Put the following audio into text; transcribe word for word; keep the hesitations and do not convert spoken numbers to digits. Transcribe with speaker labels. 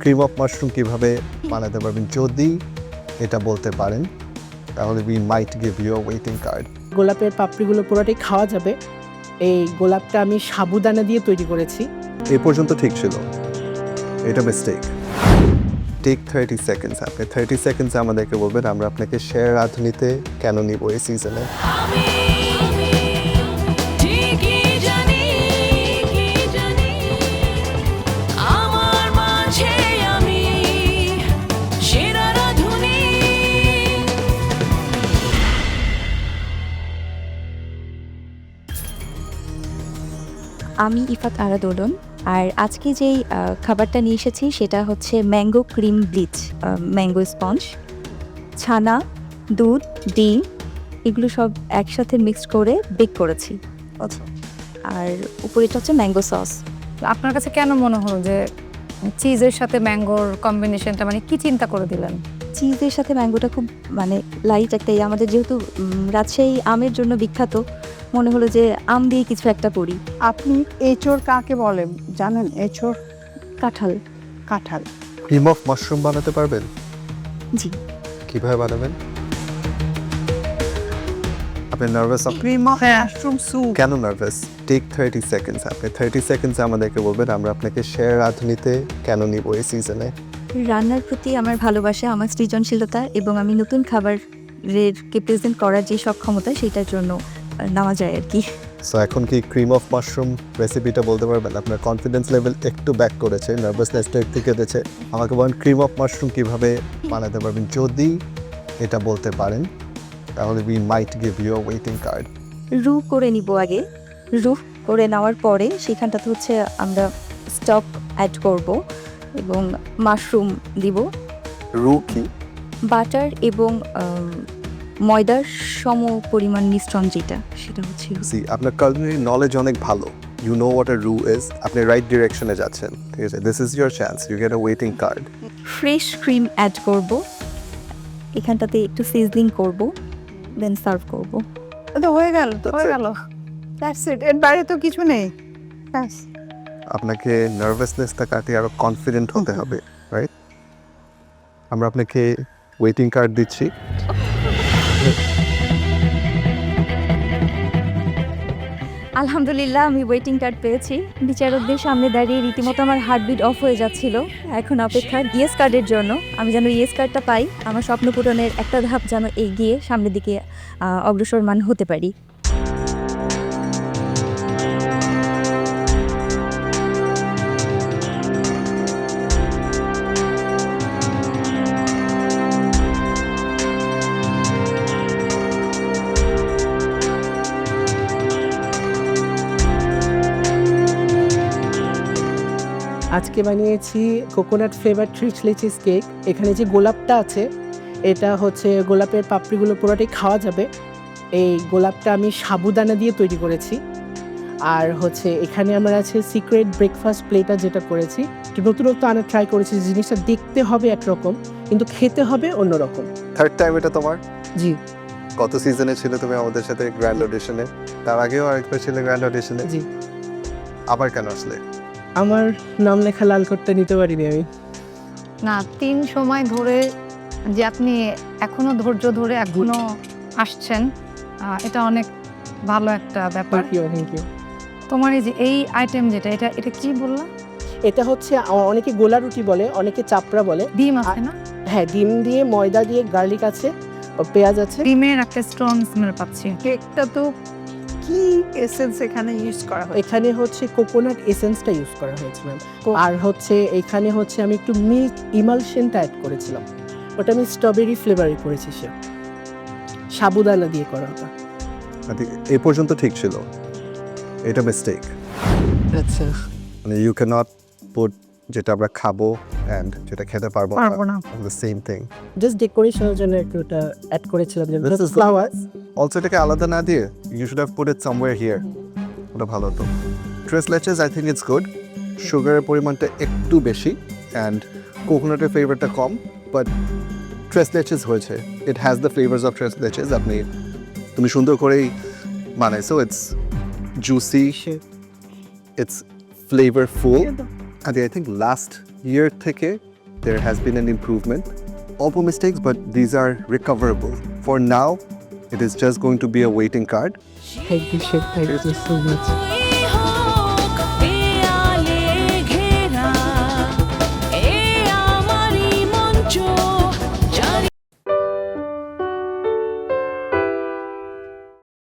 Speaker 1: Cream of mushroom কীভাবে বানাতে পারবেন যদি এটা বলতে পারেন তাহলে we might give you a waiting card.
Speaker 2: গোলাপের পাপড়িগুলো পুরোটাই খাওয়া যাবে। এই গোলাপটা আমি সাবুদানা দিয়ে তৈরি করেছি।
Speaker 1: এই পর্যন্ত ঠিক ছিল, এটা মিস্টেক। টেক থার্টি সেকেন্ডস, আপনি থার্টি সেকেন্ডসে আমাদেরকে বলবেন আমরা আপনাকে শেয়ার রাঁধুনিতে কেন নিব এই সিজনে।
Speaker 3: আমি ইফাত আরা দোলন, আর আজকে যেই আহ, খাবারটা নিয়ে এসেছি সেটা হচ্ছে mango cream bleach, mango sponge, ছানা, দুধ, ডিম এগুলো সব একসাথে মিক্সড করে বেক করেছি।
Speaker 1: আচ্ছা,
Speaker 3: আর উপরে এটা হচ্ছে ম্যাঙ্গো সস।
Speaker 4: আপনার কাছে কেন মনে হলো যে চিজের সাথে ম্যাঙ্গোর কম্বিনেশনটা, মানে কি চিন্তা করে দিলেন?
Speaker 3: চিজের সাথে ম্যাঙ্গোটা খুব মানে লাইট একটা, এই আমাদের যেহেতু উম, রাজশাহী আমের জন্য বিখ্যাত, মনে হলো যে আম দিয়ে কিছু একটা করি।
Speaker 5: আপনি এঁচোড় কাকে বলেন জানেন? এঁচোড়
Speaker 3: কাঁঠাল।
Speaker 5: কাঁঠাল।
Speaker 1: ক্রিম অফ মাশরুম বানাতে পারবেন?
Speaker 3: জি।
Speaker 1: কিভাবে বানাবেন? আপনি nervous?
Speaker 5: Cream of mushroom soup.
Speaker 1: কেন নার্ভাস? টেক থার্টি সেকেন্ডস, আপনি থার্টি সেকেন্ডসে আমাদেরকে বলবেন আমরা আপনাকে শেয়ার রাঁধুনিতে কেন নিব এই সিজনে।
Speaker 3: রান্নার প্রতি আমার ভালোবাসা, আমার সৃজনশীলতা এবং আমি নতুন খাবারেরকে প্রেজেন্ট করার যে সক্ষমতা, সেটার জন্য নেওয়া যায় আর কি।
Speaker 1: সো এখন কি ক্রিম অফ মাশরুম রেসিপিটা বলতে পারবেন? আপনার কনফিডেন্স লেভেল একটু ব্যাক করেছে, নার্ভাসনেসটা একটু কেটেছে। আমাকে বলেন ক্রিম অফ মাশরুম কীভাবে বানাতে পারবেন যদি এটা বলতে পারেন তাহলে we might give you a waiting card.
Speaker 3: রু করে নিব আগে। রু করে নেওয়ার পরে সেখানটাতে হচ্ছে আমরা স্টক অ্যাড করব এবং মাশরুম দিব,
Speaker 1: রু কি?
Speaker 3: বাটার এবং আম, ময়দার সম পরিমাণ মিশ্রণ যেটা, সেটা হচ্ছে রু।
Speaker 1: সি আপনার কালনারি নলেজ অনেক ভালো, ইউ নো হোয়াট আ রু ইজ, আপনি রাইট ডিরেকশনে যাচ্ছেন, ঠিক আছে? This is your chance, you get a waiting card.
Speaker 3: Fresh cream add করব, এখানটাতে একটু সিজলিং করব, দেন সার্ভ করব।
Speaker 5: তো হয়ে গেল, তো
Speaker 1: That's
Speaker 5: হয়ে
Speaker 1: it.
Speaker 5: গেল। দ্যাটস ইট, এর বাইরে তো কিছু নেই। ব্যাস।
Speaker 1: আপনাকে নার্ভাসনেসটা কাটিয়ে আরো কনফিডেন্ট হতে হবে, রাইট? আমরা আপনাকে ওয়েটিং কার্ড দিচ্ছি।
Speaker 3: আলহামদুলিল্লাহ, আমি ওয়েটিং কার্ড পেয়েছি। বিচারকদের সামনে দাঁড়িয়ে রীতিমতো আমার হার্টবিট অফ হয়ে যাচ্ছিল। এখন অপেক্ষা ইয়েস কার্ডের জন্য। আমি যেন ইয়েস কার্ডটা পাই, আমার স্বপ্ন পূরণের একটা ধাপ যেন এগিয়ে সামনের দিকে আহ, অগ্রসরমান হতে পারি।
Speaker 2: আজকে বানিয়েছি coconut flavour tres leches cake. এখানে যে গোলাপটা আছে এটা হচ্ছে গোলাপের পাপড়িগুলো পুরোটাই খাওয়া যাবে। এই গোলাপটা আমি সাবুদানা দিয়ে তৈরি করেছি। আর হচ্ছে এখানে আমার আছে সিক্রেট ব্রেকফাস্ট প্লেটার, যেটা করেছি একটু নতুনত্ব আনা ট্রাই করেছি। জিনিসটা দেখতে হবে একরকম কিন্তু খেতে হবে অন্যরকম।
Speaker 1: থার্ড টাইম এটা তোমার?
Speaker 2: জি
Speaker 1: কত সিজনে ছিল তুমি আমাদের সাথে গ্র্যান্ড অডিশনে? তার আগেও আরেকবার ছিল গ্র্যান্ড অডিশনে।
Speaker 2: জি
Speaker 1: আবার কেন আসলে?
Speaker 2: আমার নাম লেখা লাল করতে নিতে পারিনি আমি।
Speaker 4: না, তিন সময় ধরে যে আপনি এখনো ধৈর্য ধরে এখনো আসছেন, আহ, এটা অনেক ভালো একটা ব্যাপার।
Speaker 2: Thank you thank you.
Speaker 4: তোমার এই যে এই আইটেম যেটা, এটা এটা কি বললাম?
Speaker 2: এটা হচ্ছে আ- অনেকে গোলা রুটি বলে, অনেকে চাপড়া বলে।
Speaker 4: ডিম আছে না?
Speaker 2: হ্যাঁ, ডিম দিয়ে, ময়দা দিয়ে, গার্লিক আছে, ও পেঁয়াজ আছে।
Speaker 4: ডিমের একটা স্ট্রং স্মেল পাচ্ছি।
Speaker 5: কেকটা তো কি এসেন্স এখানে ইউজ করা হয়?
Speaker 2: এখানে হচ্ছে কোকোনাট এসেন্সটা ইউজ করা হয়েছে ম্যাম। আর হচ্ছে এখানে হচ্ছে আমি একটু মিল্ক ইমালশনটা অ্যাড করেছিলাম, ওটা আমি স্ট্রবেরি ফ্লেভারে করেছি। সে সাবুদানা দিয়ে করা ওটা।
Speaker 1: এই পর্যন্ত ঠিক ছিল, এটা মিস্টেক।
Speaker 2: আচ্ছা,
Speaker 1: মানে ইউ ক্যান নট পুট যেটা আমরা খাবো অ্যান্ড যেটা খেতে পারবো
Speaker 4: পারবো না।
Speaker 1: The same thing.
Speaker 2: জাস্ট ডেকোরেশনের জন্য একটু ওটা অ্যাড করেছিলাম, যেমন
Speaker 1: This is the-
Speaker 2: flower.
Speaker 1: Also এটাকে আলাদা না দিয়ে you should have put it somewhere here, ওটা ভালো হতো। Tres leches I think it's good, সুগারের পরিমাণটা একটু বেশি অ্যান্ড কোকোনাটের ফ্লেভারটা কম, বাট ট্রেস লেচেস হয়েছে, it has the flavours of tres leches. আপনি তুমি সুন্দর করেই বানাইছো, it's juicy, it's flavourful. I think last year থেকে there has been an improvement. All mistakes, but these are recoverable. For now, it is just going to be a waiting card.
Speaker 2: Thank you chef, thank you so much.